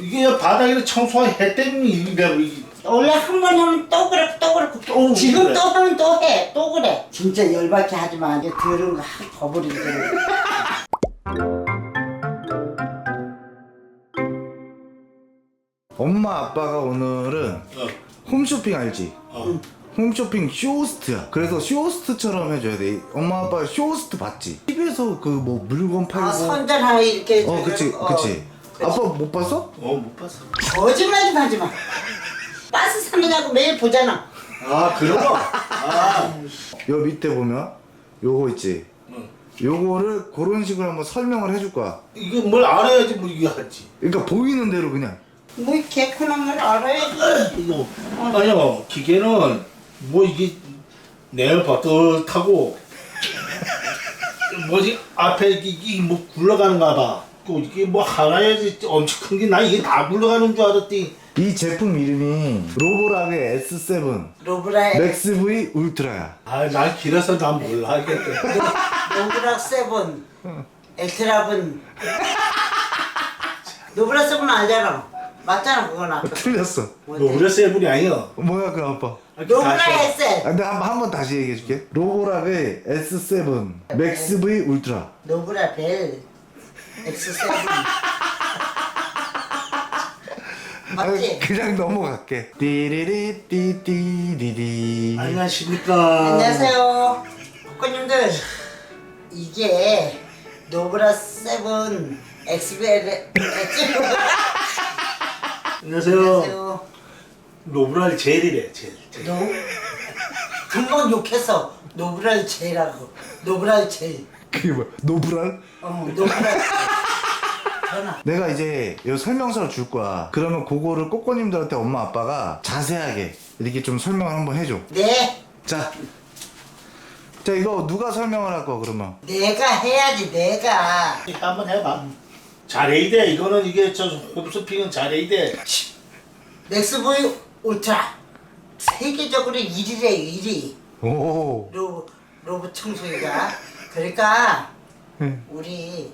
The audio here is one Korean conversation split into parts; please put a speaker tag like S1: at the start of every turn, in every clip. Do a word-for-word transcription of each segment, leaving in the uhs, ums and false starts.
S1: 이게 바닥에 청소해 때문에 이게
S2: 원래 한 번 하면 또 그렇고 또 그렇고
S1: 또
S2: 지금
S1: 그래.
S2: 또 하면 또 해 또 그래. 진짜 열받게 하지 마. 이제 더러운 거 확 버버리게.
S3: 엄마 아빠가 오늘은
S1: 어.
S3: 홈쇼핑 알지?
S1: 어.
S3: 홈쇼핑 쇼호스트야. 그래서 쇼호스트처럼 해줘야 돼. 엄마 아빠 쇼호스트 봤지? 티비에서 그 뭐 물건 팔고.
S2: 아 선전하에 이렇게.
S3: 어 그치
S2: 어,
S3: 그치.
S2: 그치.
S3: 아빠 못 봤어?
S1: 어, 못 봤어.
S2: 거짓말 좀 하지 마. 버스 사느냐고 매일 보잖아.
S1: 아, 그런 거? 아.
S3: 요 밑에 보면 요거 있지?
S1: 응.
S3: 요거를 그런 식으로 한번 설명을 해줄 거야.
S1: 이게 뭘 알아야지 뭐 이게 하지.
S3: 그러니까 보이는 대로 그냥.
S2: 뭐 개콘한 걸 알아야지.
S1: 이거 아니요 기계는 뭐 이게 내가 버릇하고 뭐지 앞에 이게, 이게 뭐 굴러가는가 봐. 또 이게 뭐 하나야지 엄청 큰 게 나 이게 다 굴러가는 줄 알았더니
S3: 이 제품 이름이 로보락의 에스 세븐
S2: 로브라
S3: 맥스 브이 울트라야.
S1: 아난 길어서 난 몰라 하겠대.
S2: 노브락 세븐 엑스라븐 노브락 세븐 알잖아. 맞잖아 그건 아까.
S3: 틀렸어.
S1: 노브레 세븐이 아니야.
S3: 뭐야 그 아빠?
S2: 노브락 에스
S3: 아, 근데 한번 한번 다시 얘기해 줄게. 로보락의 에스 세븐 맥스 브이 울트라.
S2: 노브라 벨 엑스 세븐 맞지?
S3: 아, 그냥 넘어갈게. 띠리리 띠띠리리.
S1: 안녕하십니까.
S2: 안녕하세요 국가님들. 이게 노브라 세븐 엑스벨 엑스
S1: 안녕하세요.
S2: 안녕하세요.
S1: 노브랄 젤이래 젤. 젤.
S2: 노 금방 욕했어. 노브랄 제라고. 노브랄 제.
S3: 그게 뭐야? 노브랄?
S2: 어 노브랄 전화.
S3: 내가 이제 요 설명서를 줄 거야. 그러면 그거를 꼬꼬님들한테 엄마 아빠가 자세하게 이렇게 좀 설명을 한번 해줘.
S2: 네.
S3: 자, 자 이거 누가 설명을 할 거 그러면?
S2: 내가 해야지 내가.
S1: 이거 한번 해봐. 잘해야 돼. 이거는 이게 저 홈쇼핑은 잘해야 돼.
S2: 맥스보이 울트라 세계적으로 일 위래요 일 위.
S3: 오.
S2: 로봇 로봇 청소기가. 그러니까
S3: 네.
S2: 우리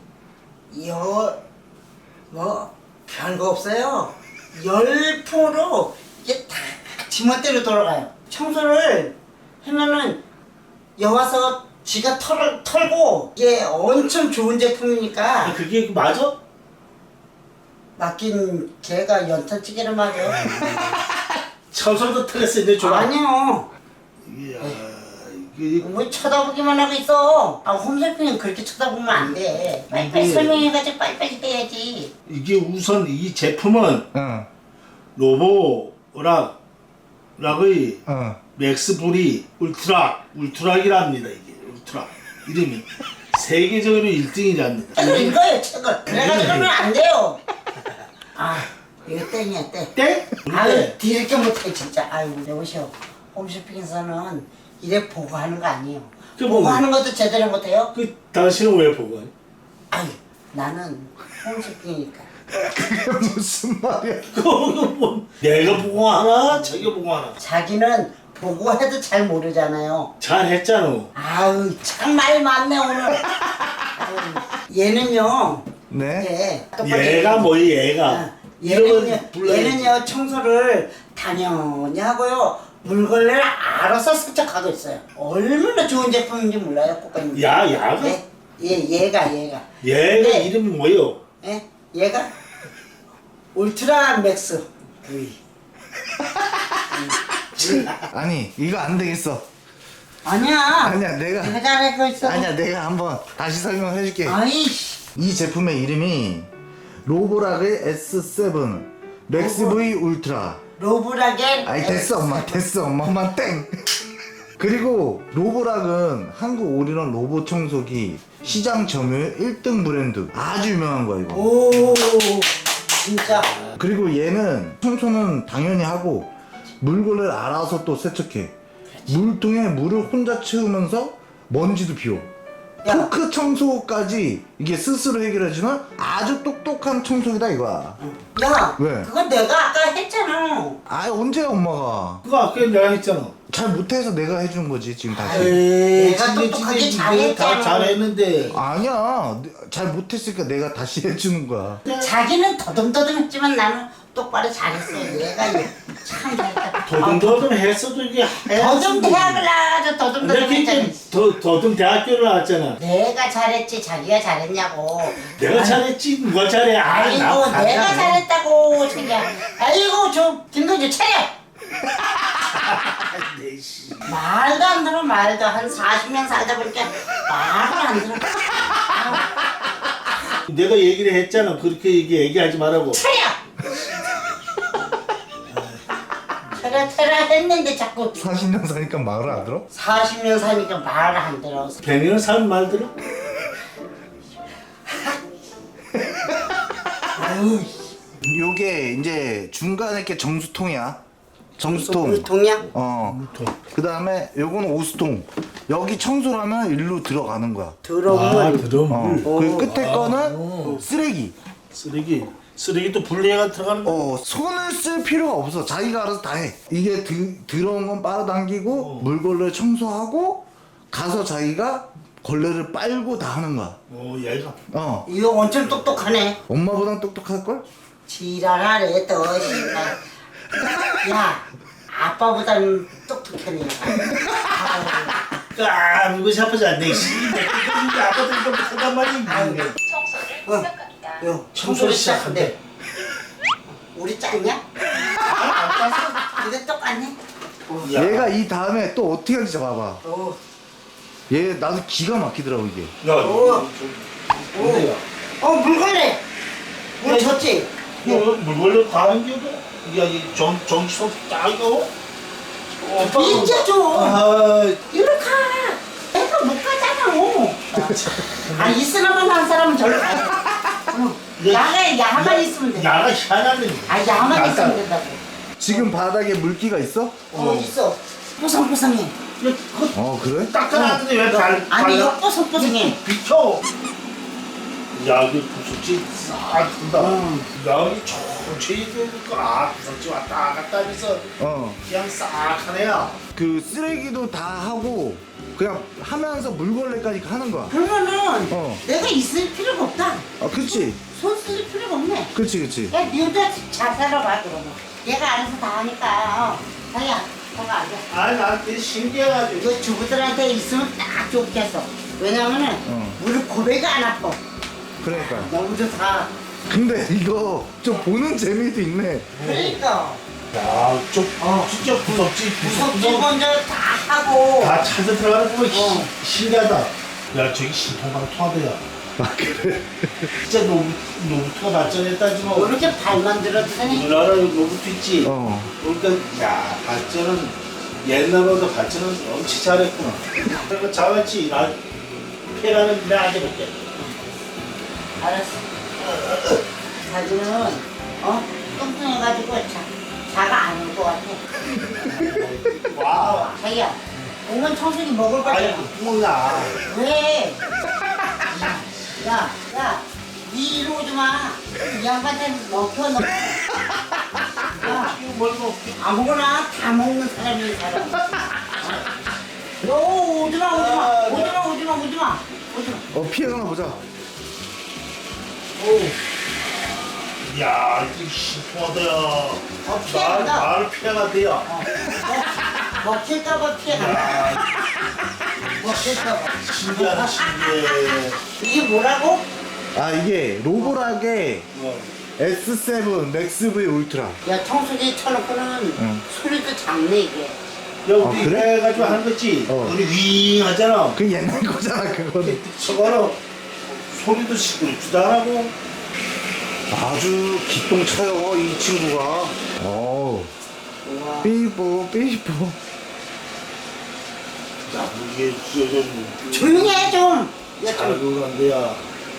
S2: 여뭐 별거 없어요. 열풍으로 이게 다 지멋대로 돌아가요. 청소를 하면은 여와서 지가 털을 털고 이게 엄청 좋은 제품이니까.
S1: 아, 그게 맞아?
S2: 맡긴 걔가 연탄찌개를 맞아.
S1: 청소도 틀렸는데 좋아.
S2: 아니요.
S1: 이야, 이게
S2: 뭐 쳐다보기만 하고 있어. 아 홈쇼핑은 그렇게 쳐다보면 안 돼. 빨리빨리
S1: 이게-
S2: 설명해가지고 빨리빨리 떼야지.
S1: 이게 우선 이 제품은
S3: 응.
S1: 로보락 락의
S3: 응.
S1: 맥스불이 울트라 울트락이랍니다. 이게 울트라 이름이 세계적으로 일 등이랍니다.
S2: 책을 읽어요 책을. 그래가지고 그러면 안 돼요. 아 이거 땡이야 땡.
S1: 땡?
S2: 아유 뒤늦게 못해 진짜. 아유 여보시오. 홈쇼핑에서는 이래 보고하는 거 아니에요.
S1: 그 뭐-
S2: 보고하는 것도 제대로 못해요.
S1: 그 당신은 왜 보고?
S2: 아유 나는 홈쇼핑이니까.
S3: 그게 무슨 말이야?
S1: 그거 뭐 내가 보고 하나, 자기가 보고 하나.
S2: 자기는 보고해도 잘 모르잖아요.
S1: 잘했잖아.
S2: 아유 참 말 많네 오늘. 아유, 얘는요.
S3: 네.
S2: 예. 똑바로
S1: 얘가
S2: 얘기해.
S1: 뭐이 얘가?
S2: 아,
S1: 이름은
S2: 얘는요.
S1: 불러야지.
S2: 얘는요 청소를 당연히 하고요. 물걸레를 알아서 세척하고 있어요. 얼마나 좋은 제품인지 몰라요, 꽃가님.
S1: 야, 야가?
S2: 예, 얘 얘가 얘가.
S1: 얘가
S2: 네.
S1: 이름이 뭐요?
S2: 예, 얘가 울트라 맥스 V.
S3: 아니 이거 안 되겠어.
S2: 아니야.
S3: 아니야 내가.
S2: 내가 잘하고 있어.
S3: 아니야 내가 한번 다시 설명을 해줄게.
S2: 아이씨.
S3: 이 제품의 이름이 로보락의 에스 세븐 맥스 브이 울트라.
S2: 로브라겐.
S3: 아니 됐어 엄마 됐어 엄마 엄마 땡. 그리고 로보락은 한국 올인원 로봇 청소기 시장 점유율 일 등 브랜드 아주 유명한 거야 이거.
S2: 오, 진짜.
S3: 그리고 얘는 청소는 당연히 하고 물걸레를 알아서 또 세척해. 물통에 물을 혼자 채우면서 먼지도 비워.
S2: 야.
S3: 토크 청소까지 이게 스스로 해결해주는 아주 똑똑한 청소기다 이거야.
S2: 야,
S3: 왜?
S2: 그건 내가 아까 했잖아.
S3: 아 언제 엄마가
S1: 그거 아까 내가 했잖아.
S3: 잘 못해서 내가 해준 거지 지금 다시.
S1: 에이,
S2: 내가
S1: 진짜
S2: 똑똑하게
S1: 진짜 이거 다
S2: 잘했잖아.
S1: 잘했는데.
S3: 아니야, 잘 못했으니까 내가 다시 해주는 거야.
S2: 자기는 더듬더듬했지만 나는 똑바로 잘했어요. 얘가 참 잘했다.
S1: 더듬더듬 했어도 이게
S2: 더듬 대학을 나와서 더듬더듬 했잖아.
S1: 이렇게 더 더듬 대학교를 나왔잖아.
S2: 내가 잘했지 자기가 잘했냐고.
S1: 내가 잘했지 누가 잘해? 아,
S2: 아이고
S1: 나
S2: 내가
S1: 잘해.
S2: 잘했다고 자기야. 아이고 저 김동주 차려.
S1: 네, 씨.
S2: 말도 안 들어 말도 한 사십 년 살다 보니까 말을 안 들어.
S1: 내가 얘기를 했잖아. 그렇게 얘기 얘기하지 말라고.
S2: 차려. 차려 차려 했는데 자꾸
S3: 사십 년 사니까 말을 안 들어?
S2: 사십 년 사니까 말을 안 들어.
S1: 백 년 살면 말 들어?
S2: 아유
S3: 요게 이제 중간에 이렇게 정수통이야. 정수통.
S2: 물통이야?
S3: 어. 그 다음에 요거는 오수통. 여기 청소를 하면 일로 들어가는 거야.
S2: 더러운
S1: 드럼.
S3: 어. 그 끝에 거는 쓰레기.
S1: 쓰레기. 쓰레기도 분리해가 들어가는 거.
S3: 어, 손을 쓸 필요가 없어. 자기가 알아서 다 해. 이게 드, 들어온 건 빨아당기고
S1: 어.
S3: 물걸레 청소하고 가서 자기가 걸레를 빨고 다 하는 거야.
S1: 어, 얘가.
S3: 어.
S2: 이거 엄청 똑똑하네.
S3: 엄마보단 똑똑할걸?
S2: 지랄하네 또 씨발. 야 아빠보다는 똑똑하네. 아유.
S1: 아, 이거 샤프지 않네. 씨. 내가 아빠도 이거 못한단 말이야.
S4: 청소를
S2: 어.
S4: 시작합니다.
S2: 요
S1: 청소를 시작한대.
S2: 우리 짰냐? 안 짰어. 근데 똑같네.
S1: 야.
S3: 얘가 이 다음에 또 어떻게 하는지 봐봐.
S2: 오.
S3: 얘 나도 기가 막히더라고 이게.
S1: 야,
S2: 오.
S1: 이거 좀. 뭔데요?
S2: 어 물걸레. 물 줬지?
S1: 이거 물걸레 다 한겨도? 야, 이 정, 정치성 딱 이거? 어,
S2: 진짜 줘.
S1: 아,
S2: 이리 가. 내가 못 가잖아. 아 있으나만 한 사람은 절로 가. 응.
S1: 야,
S2: 야가 야만 있으면 돼.
S1: 야가 희한하네.
S2: 아 야만
S1: 약간.
S2: 있으면 된다고.
S3: 지금 바닥에 물기가 있어?
S2: 어 있어. 뽀송뽀송해.
S1: 야, 그거
S3: 어 그래?
S1: 닦아놨는데 왜 발,
S2: 아니
S1: 발라-
S2: 이거 뽀송뽀송해.
S1: 비켜. 야, 이게 부속지 싹 든다.
S2: 응.
S1: 야, 이 천천히 되니까, 아, 부속지 왔다 갔다 하면서
S3: 어.
S1: 그냥 싹 하네야.
S3: 그 쓰레기도 다 하고 그냥 하면서 물걸레까지 하는 거야.
S2: 그러면은
S3: 어.
S2: 내가 있을 필요가 없다.
S3: 아 그치?
S2: 손 쓸 필요가 없네.
S3: 그치 그치.
S2: 야 니도 잘 살아봐 그러면. 얘가 알아서 다 하니까. 어. 자기야, 저거 앉아.
S1: 아, 나 되게 신기해가지고.
S2: 이거 주부들한테 있으면 딱 좋겠어. 왜냐면은
S3: 어.
S2: 무릎 고배가 안 아파.
S3: 그러니까.
S2: 너무 좋다.
S3: 근데 이거 좀 보는 재미도 있네.
S2: 그러니까
S1: 야, 좀,
S2: 어.
S1: 진짜 부럽지.
S2: 무섭지
S1: 부럽지.
S2: 먼저 다 하고.
S1: 다 찾아 들어가는 거
S2: 어.
S1: 신기하다. 야, 저기 신통방 통하더야.
S3: 아 그래?
S1: 진짜 노부, 노부트가 발전했다지만.
S2: 뭐 이렇게 발만 들었더니
S1: 우리나라 노부트 있지?
S3: 어.
S1: 그러니까, 야, 발전은, 옛날보다 발전은 엄청 잘했구나. 그리고 자같이, 나, 폐가는 내가 해볼게.
S2: 알았어. 자기는 어 뚱뚱해가지고 자, 자가 안 올 것 같아.
S1: 와우.
S2: 자기야, 오면 청소기 먹을
S1: 아이,
S2: 거잖아.
S1: 구멍나.
S2: 왜? 야, 야, 니 이리 오지 마. 이 양반한테 먹혀 너. 야,
S1: 이거 뭘고.
S2: 아무거나 다 먹는 사람이 이 사람. 너 오지 마, 오지 마, 오지 마, 오지 마, 오지 마, 오지 마.
S3: 어 피해가나 보자.
S1: 오. 야, 이거 신통하다야.
S2: 어, 피해간다.
S1: 말 피해가 돼야.
S2: 어, 어, 먹힐까봐 피해간다.
S1: 야,
S2: 먹힐까봐.
S1: 신기하다, 신기해.
S2: 이게 뭐라고?
S3: 아 이게 로보락의
S1: 어.
S3: 에스 세븐 맥스 브이 울트라.
S2: 야, 청소기 쳐놓고는
S3: 응.
S2: 소리도 작네 이게.
S1: 야, 우리
S3: 아, 그래?
S1: 해가지고 하는 거지.
S3: 어.
S1: 우리 윙 하잖아.
S3: 그 옛날 거잖아 그거는.
S1: 저거는 소리도 시끄럽지도 안 하고.
S3: 아주 기똥차요 이 친구가. 어.
S2: 우와.
S3: 삐뽀 삐뽀.
S1: 야, 이게 좀
S2: 조용히 해 좀. 야, 좀.
S1: 자극한데야.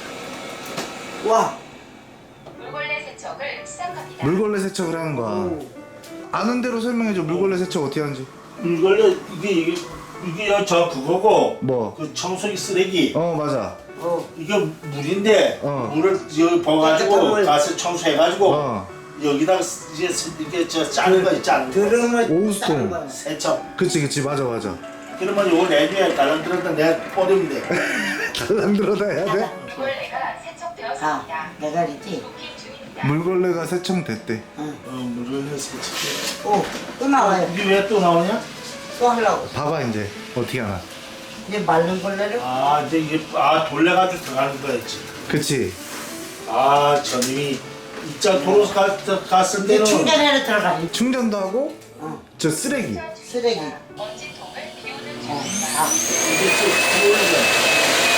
S2: 와.
S4: 물걸레 세척을 시작합니다.
S3: 물걸레 세척을 하는 거야.
S2: 오.
S3: 아는 대로 설명해줘. 물걸레 세척 어떻게 하는지.
S1: 물걸레 이게 이게 이게 저 그거고.
S3: 뭐?
S1: 그 청소기 쓰레기.
S3: 어 맞아.
S2: 어.
S1: 이게 물인데
S3: 어.
S1: 물을 여기
S2: 깨끗한
S1: 버가지고
S2: 물.
S1: 가서 청소해가지고
S3: 어.
S1: 여기다가 이제 세- 이게 저 짜는 거 있지 않은 거.
S2: 드럼을
S3: 오스톤.
S2: 싸는 거야.
S1: 세척.
S3: 그치 그치 맞아 맞아.
S1: 그러면 요거 내주에 달랑들었다 내가 뿌리면 돼.
S3: 달랑 들어다 해야 돼?
S4: 물걸레가
S2: 아,
S4: 세척되었습니다.
S2: 내가 그랬지.
S4: 부킹 중입니다.
S3: 물걸레가 세청됐대.
S2: 응.
S1: 어, 물을 세척.
S2: 오, 또 나와요.
S1: 이게 왜 또 나오냐?
S2: 또 하려고.
S3: 봐봐 이제 어떻게 하나.
S2: 이제 마른 걸레를
S1: 아 이제 이게 아 돌려가지고 들어가는 거였지.
S3: 그치.
S1: 아 저님이 입장 도로 가- 갔을
S2: 이제
S1: 때는
S2: 충전해로 들어가니.
S3: 충전도 하고
S2: 어,
S3: 저 쓰레기.
S2: 쓰레기.
S4: 먼지통을 비우는
S2: 어,
S4: 중입니다.
S2: 아,
S1: 이게 쭉 들어오는 거야.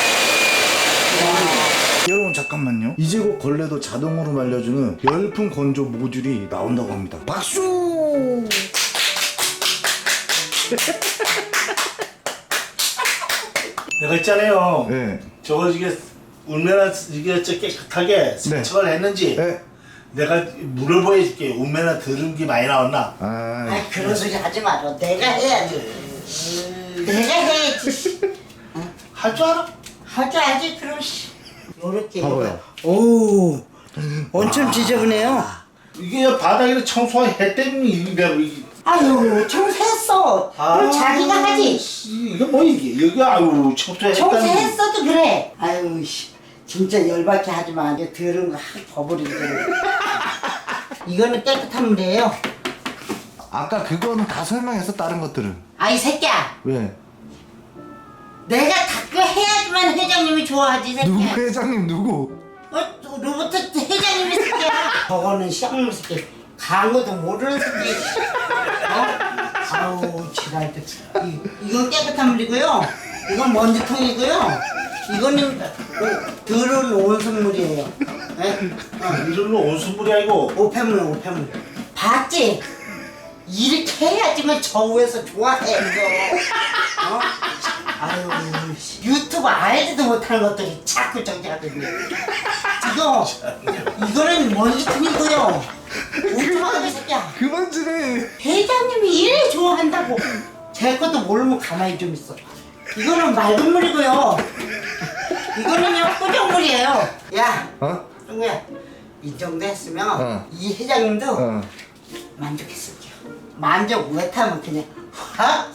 S3: 여러분 잠깐만요. 이제 곧 걸레도 자동으로 말려주는 열풍 건조 모듈이 나온다고 합니다. 박수!
S1: 내가 있잖아요.
S3: 네.
S1: 저거 이게 얼마나 이게 저 깨끗하게 세척을 했는지
S3: 네.
S1: 내가 물을 보여줄게. 얼마나 더러운 게 많이 나왔나.
S3: 아,
S2: 아이 그런 소리 하지 마라. 내가 해야지. 내가 해야지.
S1: 할 줄 알아?
S2: 할 줄 알지 그럼 씨. 요렇게.
S3: 봐봐요.
S2: 오, 엄청 지저분해요.
S1: 이게 바닥에 청소해 때문에 이게 이게
S2: 아유 청소했어. 그럼 자기가 하지.
S1: 씨, 이거 뭐 이게 여기 아유 청소해.
S2: 청소했어도 그래. 아유 씨, 진짜 열받게 하지 마. 이제 더러운 거 확 버버리고. 이거는 깨끗한 물이에요.
S3: 아까 그거는 다 설명했어 다른 것들은.
S2: 아이 새끼야.
S3: 왜?
S2: 내가 닦고 해야지만 회장님이 좋아하지 새끼야.
S3: 누구 회장님 누구?
S2: 어, 로봇 회장님이 새끼야. 저거는 시험물 새끼. 강어도 모르는 새끼. 어? 아우 지랄들. 이, 이건 깨끗한 물이고요. 이건 먼지통이고요. 이거는 오, 더러운 온수물이에요. 예? 어.
S1: 이름은 온수물이 아니고
S2: 오폐물 오폐물. 봤지? 이렇게 해야지만 저 위에서 좋아해 이거. 어? 아유 씨. 유튜브 알지도 못하는 것들이 자꾸 저기 하더니 이거 이거는 먼지통이고요. 오토마토 새끼야.
S3: 그만 좀 해.
S2: 회장님이 이래 좋아한다고. 제 것도 모르면 가만히 좀 있어. 이거는 맑은 물이고요. 이거는요 꾸정물이에요. 야,
S3: 어?
S2: 동구야, 이 정도 했으면
S3: 어.
S2: 이 회장님도
S3: 어.
S2: 만족했을게요. 만족 못하면 그냥 확.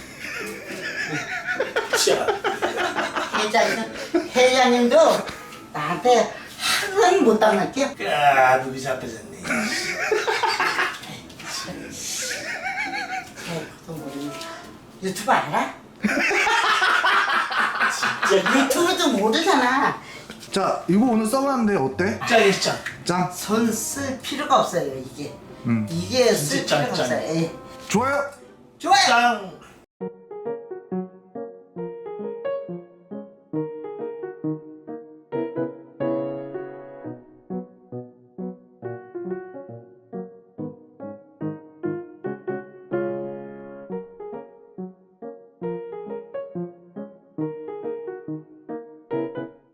S1: 자,
S2: 회장님, 회장님도 나한테 항상 못 당할게요.
S1: 까두기 잡혀졌네.
S2: 그것도 모르는 유튜브 알아?
S1: 진짜
S2: 유튜브도 모르잖아.
S3: 자 이거 오늘 써봤는데 어때?
S1: 짱이짱.
S3: 짱.
S2: 손 쓸 필요가 없어요 이게.
S3: 음.
S2: 이게 쓸
S1: 진짜
S2: 필요가
S1: 짱, 짱.
S2: 없어요. 예.
S3: 좋아요.
S2: 좋아요.
S1: 짱.